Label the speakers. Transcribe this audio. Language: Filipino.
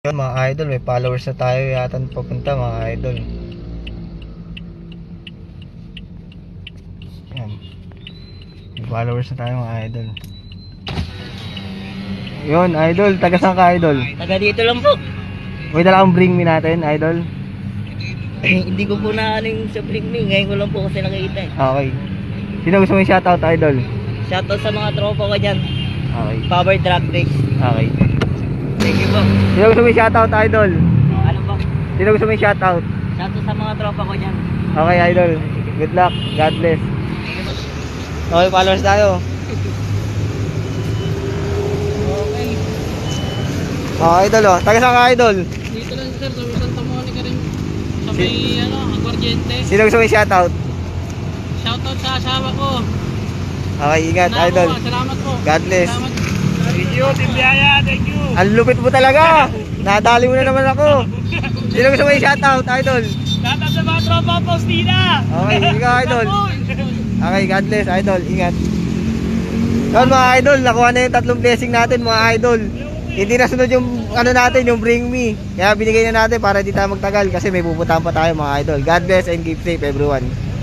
Speaker 1: Yun mga idol, may followers na tayo yata papunta mga idol. Yan. May followers na tayo mga idol. Yun idol, taga saan ka idol?
Speaker 2: Taga dito lang po.
Speaker 1: May dala kang bring me natin idol.
Speaker 2: Hindi ko po na ano yung sa Bring Me. Ngayon ko lang po kasi nakikita eh.
Speaker 1: Okay. Sino gusto mo yung shoutout idol?
Speaker 2: Shoutout sa mga tropa ko dyan.
Speaker 1: Okay.
Speaker 2: Power Drag Race.
Speaker 1: Okay.
Speaker 2: Thank you po.
Speaker 1: Sino gusto mo yung shoutout idol?
Speaker 2: Ano po?
Speaker 1: Sino gusto mo yung shoutout?
Speaker 2: Shoutout sa mga tropa ko dyan.
Speaker 1: Okay idol. Good luck. God bless. Okay, followers tayo.
Speaker 2: Okay.
Speaker 1: Okay idol oh. Taga saan ka idol?
Speaker 2: Dito lang sir, sa Santa Monica rin. Sa may Aguardiente.
Speaker 1: Sino gusto mo yung shoutout?
Speaker 2: Shoutout sa asawa ko.
Speaker 1: Okay, ingat idol.
Speaker 2: Salamat po.
Speaker 1: God bless.
Speaker 2: Salamat.
Speaker 3: Thank you, Team Biaya, thank you.
Speaker 1: Ang lupit mo talaga. Nadali mo na naman ako. Sino gusto mo yung shoutout idol?
Speaker 3: Shoutout sa mga tropa, Faustina.
Speaker 1: Okay, ikaw idol. Okay, God bless idol. Ingat. Yun mga idol, nakuha na yung 3 blessing natin mga idol. Hindi nasunod yung ano natin, yung bring me. Kaya binigay na natin para hindi tayo magtagal kasi may pupuntahan pa tayo mga idol. God bless and keep safe everyone.